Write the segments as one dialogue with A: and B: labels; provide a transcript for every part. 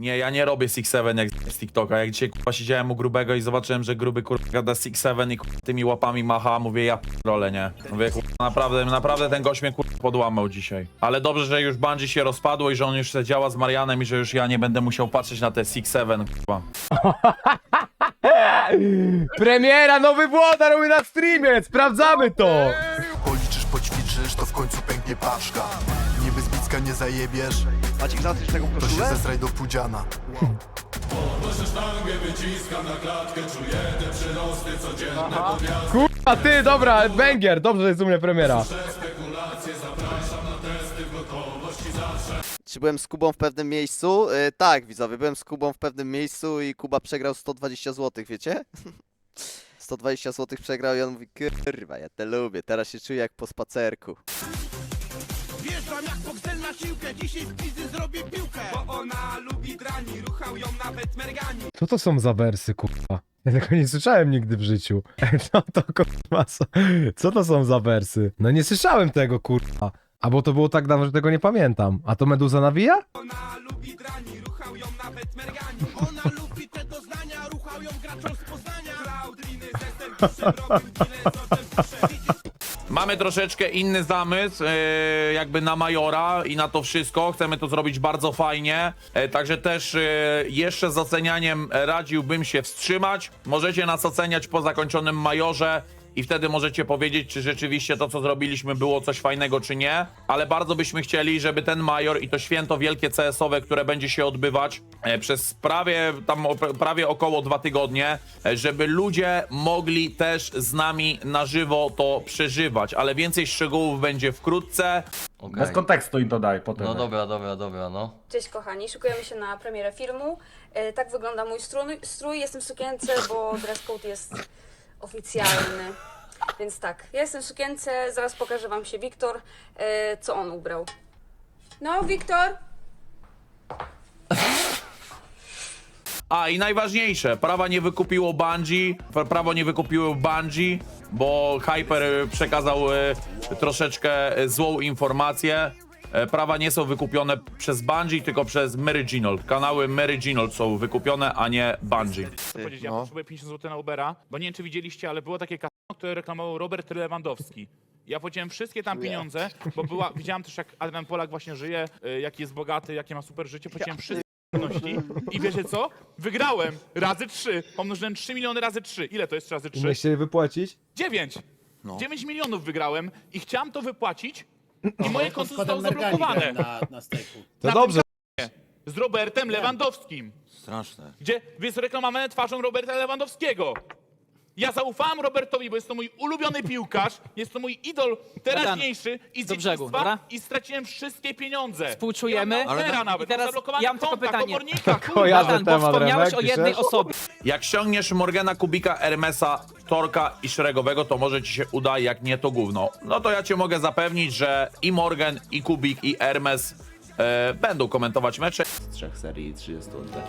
A: Nie, ja nie robię 6-7 jak z TikToka. Jak dzisiaj kurwa siedziałem u grubego i zobaczyłem, że gruby kurwa gada 6-7 i kurwa tymi łapami macha, mówię ja p***rolę, nie? Mówię kurwa, naprawdę ten gość mnie kurwa podłamał dzisiaj. Ale dobrze, że już Bungie się rozpadło i że on już se działa z Marianem i że już ja nie będę musiał patrzeć na te 6-7 kurwa.
B: Premiera, nowy włodar robi na streamie, sprawdzamy to!
C: Policzysz, poćwiczysz, to w końcu pęknie paczka. Niby z bicka nie zajebiesz,
D: Maciek, zaczniesz tego
C: to się
D: koszulę?
C: zesraj do pudziana.
B: A ty, dobra, banger, dobrze, że jest u mnie premiera.
D: Czy byłem z Kubą w pewnym miejscu? Tak, widzowie, byłem z Kubą w pewnym miejscu i Kuba przegrał 120 zł, wiecie? 120 zł przegrał i on mówi, kurwa, ja te lubię, teraz się czuję jak po spacerku.
E: Wjeżdżam jak boksel na siłkę, dzisiaj z pizzy zrobię piłkę. Bo ona lubi drani, ruchał ją nawet mergani.
B: Co to są za wersy, kurwa? Ja tego nie słyszałem nigdy w życiu. No to kurwa, co to są za wersy? No nie słyszałem tego, kurwa. A bo to było tak dawno, że tego nie pamiętam. A to Meduza nawija?
E: Ona lubi drani, ruchał ją nawet mergani. Ona lubi te doznania, ruchał ją graczą z Poznania. Klaudriny ze serwisem robił tyle, co ten pisze.
A: Mamy troszeczkę inny zamysł, jakby na Majora i na to wszystko. Chcemy to zrobić bardzo fajnie. Także też jeszcze z ocenianiem radziłbym się wstrzymać. Możecie nas oceniać po zakończonym Majorze i wtedy możecie powiedzieć, czy rzeczywiście to, co zrobiliśmy, było coś fajnego, czy nie. Ale bardzo byśmy chcieli, żeby ten Major i to święto wielkie CS-owe, które będzie się odbywać przez prawie około 2 tygodnie, żeby ludzie mogli też z nami na żywo to przeżywać. Ale więcej szczegółów będzie wkrótce.
F: Bez kontekstu im to daj potem.
G: No dobra, no.
H: Cześć kochani, szykujemy się na premierę filmu. Tak wygląda mój strój. Jestem w sukience, bo dress code jest oficjalny. Więc tak, ja jestem w sukience, zaraz pokaże wam się Wiktor, co on ubrał. No, Wiktor!
A: A i najważniejsze, prawo nie wykupiło Bungie, bo Hyper przekazał troszeczkę złą informację. Prawa nie są wykupione przez Bungie, tylko przez Meriginal. Kanały Meriginal są wykupione, a nie Bungie.
I: Powiedzieć, ja potrzebuję 50 zł na Ubera, bo nie wiem, czy widzieliście, ale było takie kasino, które reklamował Robert Lewandowski. Ja płaciłem wszystkie tam pieniądze, bo widziałem też, jak Adrian Polak właśnie żyje, jaki jest bogaty, jakie ma super życie, płaciłem wszystkie płatności i wiecie co? Wygrałem razy 3, pomnożyłem 3 miliony razy 3. Ile to jest razy 3?
B: Umiesz się wypłacić?
I: 9! 9 milionów wygrałem i chciałem to wypłacić i moje konto zostało zablokowane.
B: To dobrze.
I: Z Robertem Lewandowskim.
G: Straszne.
I: Gdzie jest reklamowane twarzą Roberta Lewandowskiego. Ja zaufałem Robertowi, bo jest to mój ulubiony piłkarz, jest to mój idol teraźniejszy i z dzieciństwa i straciłem wszystkie pieniądze.
J: Współczujemy,
I: Nawet,
J: i teraz
I: zablokowane
J: ja mam tylko
I: konta,
J: pytanie.
I: komornika,
B: Kojarzę
J: Bogdan, bo
B: temat,
J: wspomniałeś
B: Remek,
J: o jednej
B: piszesz?
J: osobie.
A: Jak ściągniesz Morgana, Kubika, Hermesa, Torka i Szeregowego, to może ci się uda, jak nie to gówno. No to ja cię mogę zapewnić, że i Morgan, i Kubik, i Hermes będą komentować mecze.
G: Z 3 serii i 30 oddech.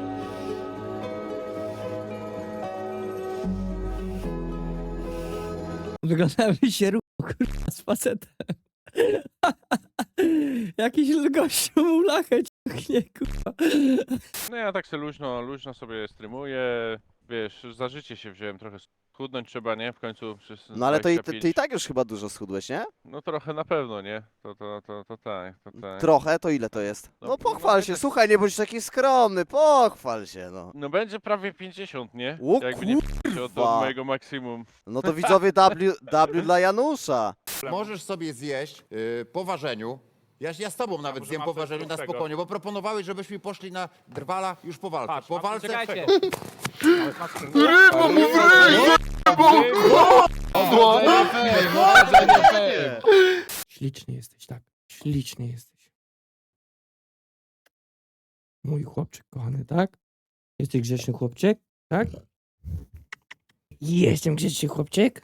J: Wyglądałem się kurwa z facetem. Jakiś gościu mu lachę ciągnie, kurwa.
F: No ja tak sobie luźno sobie streamuję. Wiesz, za życie się wziąłem trochę schudnąć trzeba, nie? W końcu przez
D: No ale ty
F: 25.
D: i tak już chyba dużo schudłeś, nie?
F: No trochę na pewno, nie? To tak.
D: Trochę, to ile to jest?
F: No,
D: No pochwal
F: no,
D: się,
F: tak-
D: słuchaj, nie bądź taki skromny, pochwal się, no.
F: No będzie prawie 50, nie?
D: O
F: Jakby nie p***ć od mojego maksimum.
D: No to widzowie W dla Janusza.
K: Możesz sobie zjeść po ważeniu. Ja z tobą nawet
I: może
K: zjem
I: mam
K: po
I: coś
K: ważeniu na
I: prostego.
K: spokojnie, bo proponowałeś, żebyśmy poszli na drwala już po walce.
I: Patrz,
K: Po walce
J: Czekajcie. Śliczny jesteś, tak. Śliczny jesteś. Mój chłopczyk kochany, tak? Jesteś grzeczny chłopczyk, tak? Jestem grzeczny chłopczyk.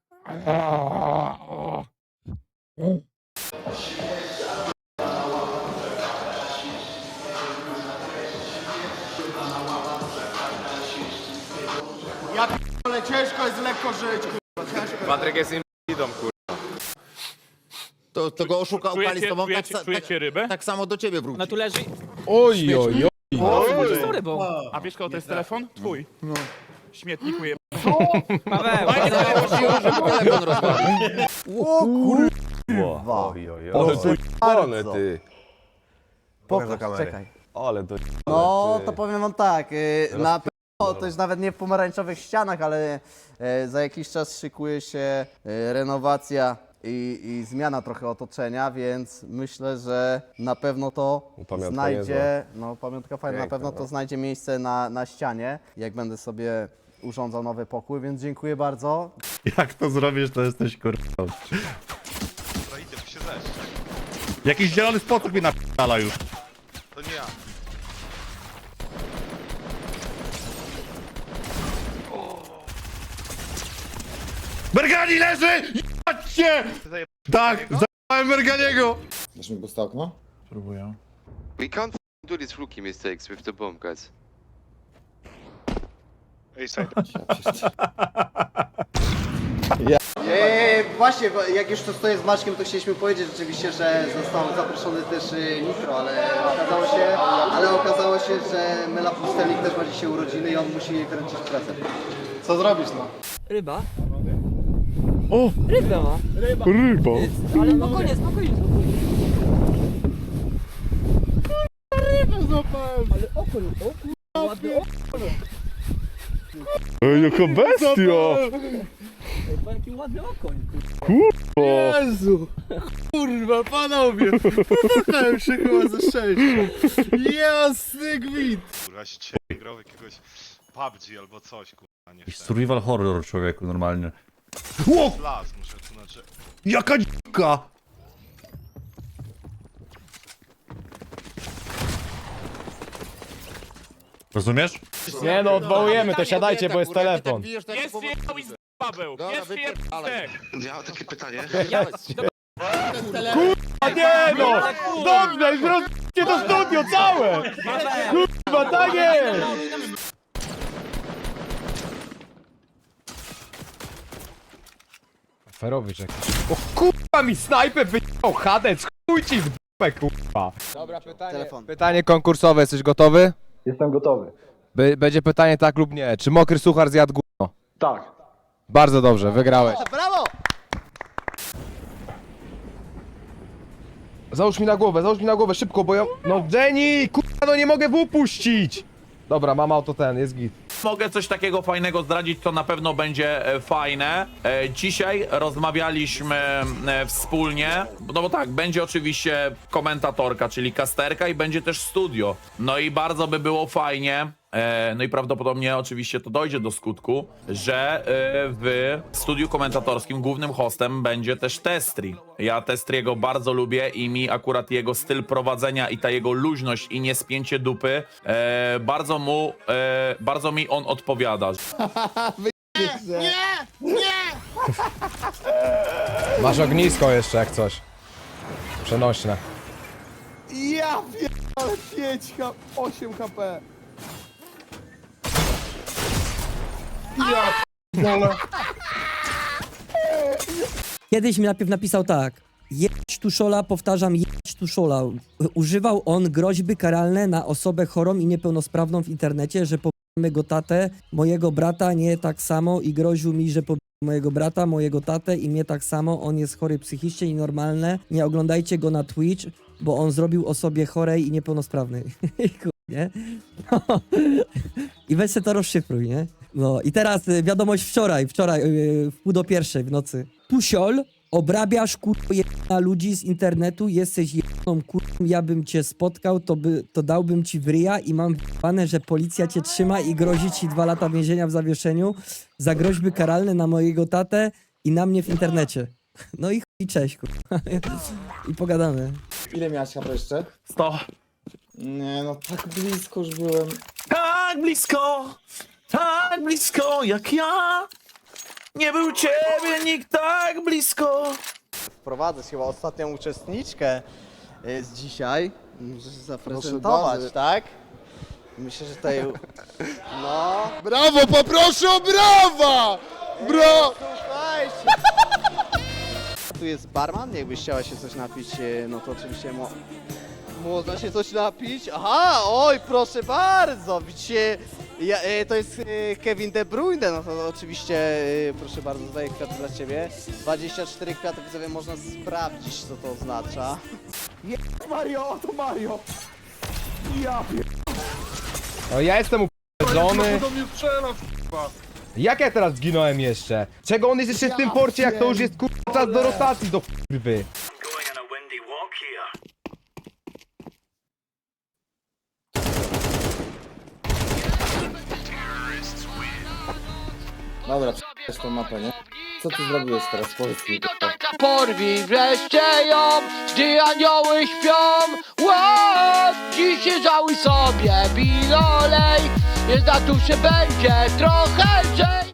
E: Ale ciężko jest lekko żyć,
B: Patryk jest inwalidą, kurwa.
K: to go oszukał
I: Czujecie-
K: Kali z tobą,
I: czujecie rybę?
K: tak samo do ciebie wróci.
J: No tu leży.
B: Oj, oj, oj.
I: Z rybą. A wiesz kogo to jest telefon? Twój. No. Śmietniku je...
J: Paweł,
K: Telefon rozwalił.
L: Ale ty.
C: Pokaż na kamerę.
L: Ale to.
D: No, to powiem wam tak, na pewno to jest nawet nie w pomarańczowych ścianach, ale za jakiś czas szykuje się renowacja i zmiana trochę otoczenia, więc myślę, że na pewno to
L: Pamiątka
D: znajdzie, no pamiątka fajna, na
L: Piękna,
D: pewno to
L: no.
D: znajdzie miejsce na ścianie, jak będę sobie urządzał nowy pokój, więc dziękuję bardzo.
A: Jak to zrobisz, to jesteś kurwa. Jakiś zielony spocek mi napierdala już.
E: To nie ja.
A: Mergani leży! Jebać się! Tak, zajebałem Merganiego!
K: Dasz mi puste okno?
A: Próbuję.
E: We can't do these rookie mistakes with the bomb, guys.
D: Właśnie, jak już to stoję z Maćkiem, to chcieliśmy powiedzieć rzeczywiście, że został zaproszony też Nitro, ale okazało się, że Mela Pustelnik też ma dzisiaj urodziny i on musi jej wręczyć prezent. Co zrobisz, no?
J: ryba. O! Rybę ma.
A: Ryba!
J: Ale spokojnie, spokojnie.
A: Ej, jaka bestia!
J: Jaki ładny okoń.
C: Jezu! Kurwa, panowie! Popłakałem się chyba ze szczęścia. Jasny gwint!
E: Kurwa, się dzisiaj grał w jakiegoś PUBG albo coś, kurwa, nie
A: Survival horror, człowieku, normalnie.
E: Las, muszę tu znaczy.
A: Jaka dzika! Rozumiesz?
B: Nie no, odwołujemy to, siadajcie, bo jest telefon.
I: Jest jedną i z Paweł! Jest jedną
E: Ja mam takie pytanie.
B: A nie no! Dobrze, już rozbicie to studio całe! Kurwa, tak jest! Ferowicz jakiś. O kurwa, mi snajper wyjął, Hadec, chuj ci w dupę, kurwa. Dobra, pytanie konkursowe, jesteś gotowy?
C: Jestem gotowy.
B: Będzie pytanie tak lub nie. Czy mokry suchar zjadł gówno?
C: Tak.
B: Bardzo dobrze, wygrałeś.
D: Brawo!
B: Załóż mi na głowę, szybko, bo ja... No Jenny, kurwa, no nie mogę wypuścić! Dobra, mam auto jest git.
A: Mogę coś takiego fajnego zdradzić, co na pewno będzie fajne. Dzisiaj rozmawialiśmy wspólnie, no bo tak, będzie oczywiście komentatorka, czyli casterka i będzie też studio. No i bardzo by było fajnie, no i prawdopodobnie oczywiście to dojdzie do skutku, że w studiu komentatorskim głównym hostem będzie też Testri. Ja Testriego bardzo lubię i mi akurat jego styl prowadzenia i ta jego luźność i niespięcie dupy bardzo mi on odpowiada.
B: Masz ognisko jeszcze jak coś. Przenośne.
C: Ja pierdolę 8 HP.
J: Kiedyś mi najpierw napisał tak. Jedź tuszola, powtarzam, jedź tuszola. Używał on groźby karalne na osobę chorą i niepełnosprawną w internecie, że pobijemy go tatę, mojego brata, nie tak samo i groził mi, że pobijemy mojego brata, mojego tatę i mnie tak samo. On jest chory psychicznie i normalne. Nie oglądajcie go na Twitch, bo on zrobił osobie chorej i niepełnosprawnej. Nie? No. I weź se to rozszyfruj, nie? No i teraz wiadomość wczoraj, w 1:30 w nocy. Tusiol, obrabiasz kurwa ludzi z internetu, jesteś jedną kurwą, ja bym cię spotkał, to dałbym ci w ryja i mam wypane, że policja cię trzyma i grozi ci 2 lata więzienia w zawieszeniu za groźby karalne na mojego tatę i na mnie w internecie. No i chuj, cześć kurwa. I pogadamy.
C: Ile miałeś HP jeszcze?
A: 100.
C: Nie no, tak blisko już byłem.
A: Tak blisko jak ja. Nie był ciebie nikt tak blisko.
D: Wprowadzę chyba ostatnią uczestniczkę z dzisiaj. Muszę się zaprezentować, tak? Myślę, że tutaj... No...
C: Brawo, poproszę o brawa!
D: Słuchajcie! Tu jest barman, jakbyś chciała się coś napić, no to oczywiście Można się coś napić? Aha, oj, proszę bardzo, widzicie, to jest Kevin De Bruyne, no to oczywiście, proszę bardzo, tutaj kwiaty dla ciebie. 24 kwiaty, widzowie, można sprawdzić, co to oznacza.
C: Mario, to Mario!
B: No ja jestem uprzedzony.
C: Do mnie strzela,
B: Jak ja teraz zginąłem jeszcze? Czego on jest jeszcze w tym porcie, jak to już jest kurwa czas do rotacji do kurwy?
G: Dobra, jest tą mapę, nie? Co ty zrobiłeś teraz? Powiedz mi.
E: Porwij wreszcie ją, gdy anioły śpią. Ło, dziś żałuj sobie, bilolej. Jest na duszy będzie trochę lżej.